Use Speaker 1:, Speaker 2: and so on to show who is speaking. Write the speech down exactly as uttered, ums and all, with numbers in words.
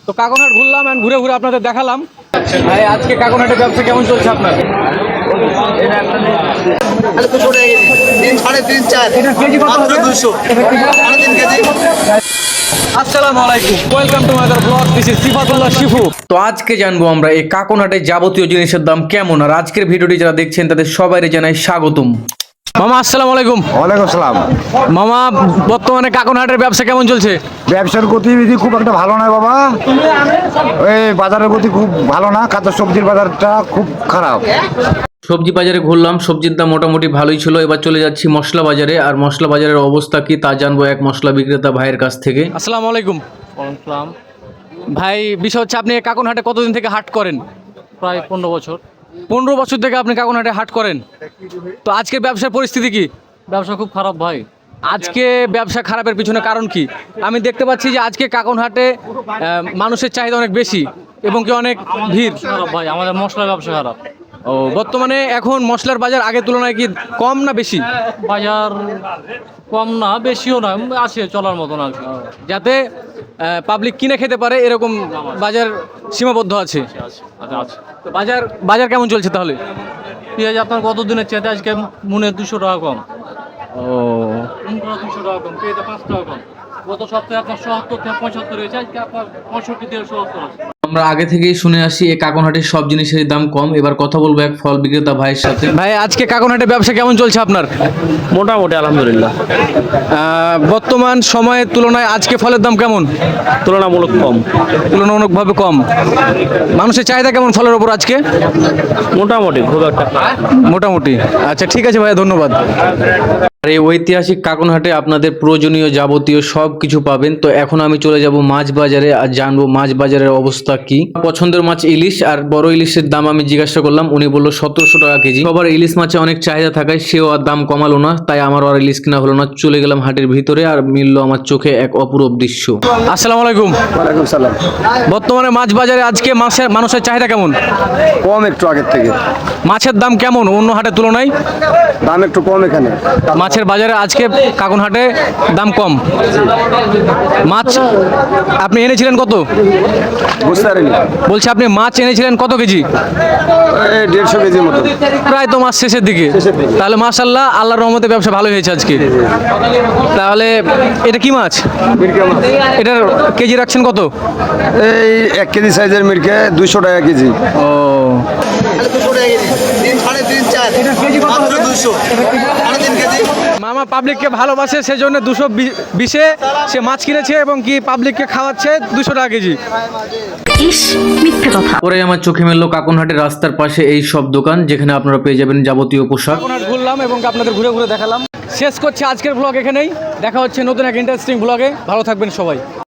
Speaker 1: তো কাকনহাট ঘুরলাম এন্ড ঘুরে ঘুরে আপনাদের দেখালাম। ভাই আজকে কাকনহাটের ব্যবসা কেমন চলছে আপনার? আসসালামু আলাইকুম, welcome to my blog, this is Sifatullah Shifu. তো আজকে জানবো আমরা এই কাকনহাটের যাবতীয় জিনিসের দাম কেমন, আর আজকের ভিডিওটি যারা দেখছেন তাদের সবাইকে জানাই স্বাগতম। মামা আসসালামু আলাইকুম।
Speaker 2: ওয়ালাইকুম আসসালাম।
Speaker 1: মামা, বর্তমানে কাকনহাটের ব্যবসা কেমন চলছে?
Speaker 2: ব্যবসার গতিবিধি খুব একটা ভালো নয় বাবা, ওই বাজারের গতি খুব ভালো না, কাঁচা সবজির বাজারটা খুব খারাপ।
Speaker 1: সবজি বাজারে ঘুরলাম, সবজির দাম মোটামুটি ভালোই ছিল। এবার চলে যাচ্ছি মশলা বাজারে, আর মশলা বাজারের অবস্থা কি তা জানবো এক মশলা বিক্রেতা ভাইয়ের কাছ থেকে। আসসালামু আলাইকুম।
Speaker 3: আসসালাম।
Speaker 1: ভাই, বিষয় হচ্ছে আপনি কাকনহাটে কতদিন থেকে হাট করেন?
Speaker 3: প্রায় পনেরো বছর।
Speaker 1: পনেরো বছর থেকে আপনি কাকনহাটে হাট করেন। তো আজকের ব্যবসার পরিস্থিতি কি?
Speaker 3: ব্যবসা খুব খারাপ ভাই।
Speaker 1: আজকে ব্যবসা খারাপের পিছনে কারণ কি? আমি দেখতে পাচ্ছি যে আজকে কাকনহাটে আহ, মানুষের চাহিদা অনেক বেশি এবং কি অনেক ভিড়।
Speaker 3: খারাপ ভাই, আমাদের মশলার ব্যবসা খারাপ।
Speaker 1: ও, বর্তমানে এখন মশলার বাজার আগের তুলনায় কি কম না বেশি?
Speaker 3: বাজার কম না বেশিও না, আছে চলার মতন আর কি।
Speaker 1: যাতে পাবলিক কিনে খেতে পারে এরকম বাজার সীমাবদ্ধ আছে।
Speaker 3: আচ্ছা আছে।
Speaker 1: তো বাজার বাজার কেমন চলছে তাহলে?
Speaker 3: পেঁয়াজ আপনার কত দিনের চেয়ে আজকে মনে দুশো টাকা কম।
Speaker 1: ও,
Speaker 3: দুশো টাকা কম, পেঁয়াজ পাঁচ টাকা কম। গত সপ্তাহে আপনার সত্তর থেকে পঁচাত্তর হয়েছে, আজকে আপনার পঁয়ষট্টি থেকে সত্তর আছে।
Speaker 1: আমরা আগে থেকেই শুনে আসি এই কাকনহাটের সব জিনিসের দাম কম। এবার কথা বলবো এক ফল বিক্রেতা ভাইয়ের সাথে। ভাই, আজকে কাকনহাটের ব্যবসা কেমন চলছে আপনার?
Speaker 3: মোটামুটি আলহামদুলিল্লাহ,
Speaker 1: আহ, বর্তমান সময়ের তুলনায় আজকে ফলের দাম কেমন?
Speaker 3: তুলনামূলক কম।
Speaker 1: তুলনামূলকভাবে কম। মানুষের চাহিদা কেমন ফলের ওপর আজকে?
Speaker 3: মোটামুটি খুব একটা।
Speaker 1: মোটামুটি। আচ্ছা, ঠিক আছে ভাইয়া, ধন্যবাদ। আর এই ঐতিহাসিক কাকনহাটে আপনাদের প্রয়োজনীয় যাবতীয় সব কিছু পাবেন। তো এখন আমি চলে যাব মাছ বাজারে আর জানবো মাছ বাজারের অবস্থা কি। পছন্দের মাছ ইলিশ, আর বড় ইলিশের দাম আমি জিজ্ঞাসা করলাম, উনি বললো সতেরোশো টাকা কেজি। সবার ইলিশ মাছে অনেক চাহিদা থাকায় সেও আর দাম কমালো না, তাই আমার আর ইলিশ কিনা হলো না। চলে গেলাম হাটের ভিতরে, আর মিললো আমার চোখে এক অপূরব দৃশ্য। আসসালামু আলাইকুম।
Speaker 2: ওয়ালাইকুম সালাম।
Speaker 1: বর্তমানে মাছ বাজারে আজকে মাছের মানুষের চাহিদা কেমন?
Speaker 2: কম একটু আগের থেকে।
Speaker 1: মাছের দাম কেমন অন্য হাটের তুলনায়?
Speaker 2: দাম একটু কম এখানে।
Speaker 1: মাছের বাজারে আজকে কাকনহাটে দাম কম। মাছ আপনি এনেছিলেন কত?
Speaker 2: বুঝতে পারিনি।
Speaker 1: বলছি আপনি মাছ এনেছিলেন কত কেজি?
Speaker 2: এই দেড়শো কেজির মতো।
Speaker 1: প্রায় তো মাছ শেষের দিকে। তাহলে মাশাআল্লাহ, আল্লাহর রহমতে ব্যবসা ভালো হয়েছে আজকে। তাহলে এটা কি মাছ?
Speaker 2: মিরকে মাছ।
Speaker 1: এটার কেজি রাখছেন কত?
Speaker 2: এই এক কেজি সাইজের মিরকে দুইশো টাকা কেজি।
Speaker 1: ও, মামা পাবলিককে ভালোবাসে, সেজন্য দুশো বিশে সে মাছ কিনেছে এবং কি পাবলিককে খাওয়াচ্ছে দুশো টাকা কেজি।
Speaker 4: ইস, মিথ্যে কথা।
Speaker 1: পরে আমার চোখে মেললো কাকনহাটের রাস্তার পাশে এই সব দোকান, যেখানে আপনারা পেয়ে যাবেন যাবতীয় পোশাক। কাকনহাট ঘুরলাম এবং আপনাদের ঘুরে ঘুরে দেখালাম। শেষ করছি আজকের ব্লগ এখানেই। দেখা হচ্ছে নতুন এক ইন্টারেস্টিং ব্লগে। ভালো থাকবেন সবাই।